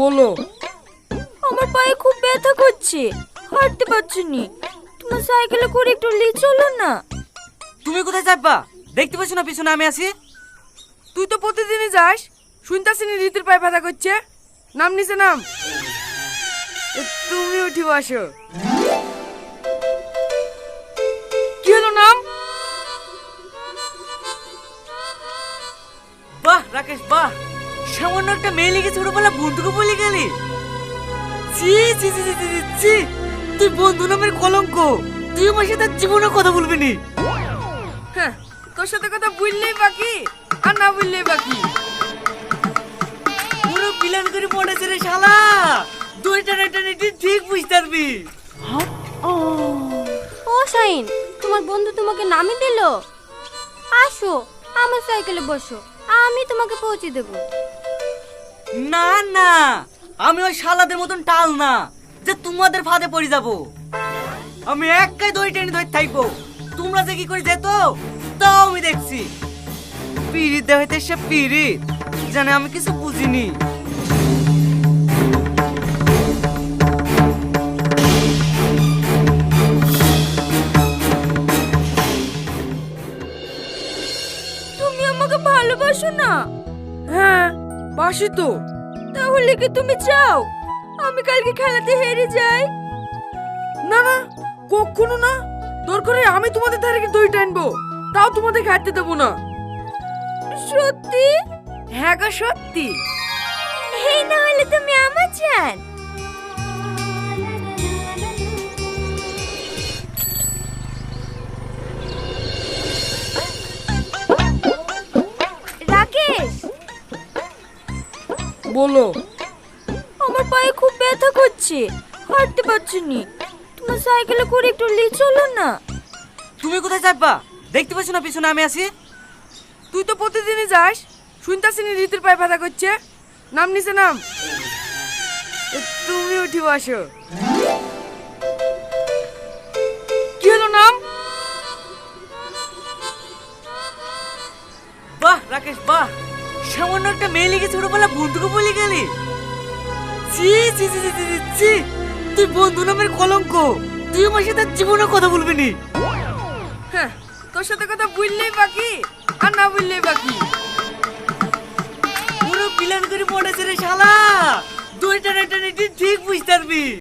বলো। আমার পায়ে খুব ব্যথা করছে, হাঁটতে পারছি নি। তোমার সাইকেলে করে একটু নিয়ে চলো না। তুমি কোথায় যাবা? দেখতে পাচ্ছ না পিছনে আমি আছি? তুই তো প্রতিদিনই যাস, শুনতাছি নি রীতির পায়ে ব্যথা করছে। নাম নিচে নাম। তুমি উঠি বসো। কি হলো নাম? বাহ রাকেশ বাহ, সামান্য একটা মেয়ে লেগে ছোটবেলা বন্ধুকে বলে গেলি। ছি ছি ছি ছি ছি, ছি। তুই বন্ধু নামের কলঙ্ক। তুই আমার সাথে জীবনে কথা বলবি নি। হ্যাঁ, তোর সাথে কথা বললেই বাকি আর না বললেই বাকি। পুরো প্ল্যান করে পড়েছে রে শালা। দুইটা টানে ঠিক বুঝতে পারবি। ও শাইন, তোমার বন্ধু তোমাকে নামিয়ে দিল। আসো আমার সাইকেলে বসো, আমি তোমাকে পৌঁছে দেবো। না না, আমি ওই শালাদের মতন টাল না যে তোমাদের ফাঁদে পড়ে যাব। আমি একাই দই টেনে ধরে থাকবো। তোমরা যে কি করে যেত তাও আমি দেখছি। পিরিত দেখাইতে সে পিরিত জানে, আমি কিছু বুঝিনি। তুমি আমাকে ভালোবাসো না? হ্যাঁ, বাসি তো। তাহলে কি তুমি চাও আমি কালকে খেলাতে হেরে যাই? না না, কখনো না। দরকার হয় আমি তোমাদের ধারে গিয়ে দই টানবো, তাও তোমাদের খাইতে দেবো না। সত্যি? হ্যাঁ গো সত্যি। এই না হলে তুমি আমার জান। রাকেশ, বলো। আমার পায়ে খুব ব্যথা করছে, হাঁটতে পারছি নি। তোমার সাইকেলে করে একটু নিয়ে চলো না। তুমি কোথায় যাবা? দেখতে পাচ্ছ না পিছনে আমি আছি? তুই তো প্রতিদিনই যাস, শুনতাছি নি রীতির পায়ে ব্যথা করছে। নাম নিচে নাম। তুমি উঠি বসো। কি হলো নাম? বাহ রাকেশ বাহ, সামান্য একটা মেয়ে লেগে ছোটবেলা বন্ধুকে বলে গেলি। ছি ছি ছি ছি, ছি, ছি। তুই বন্ধু নামের কলঙ্ক। তুই আমার সাথে জীবনে কথা বলবি নি। হ্যাঁ, তোর সাথে কথা বললেই বাকি আর না বললেই বাকি। পুরো প্ল্যান করে পড়েছে রে শালা। দুইটা ঠিক বুঝতে পারবি।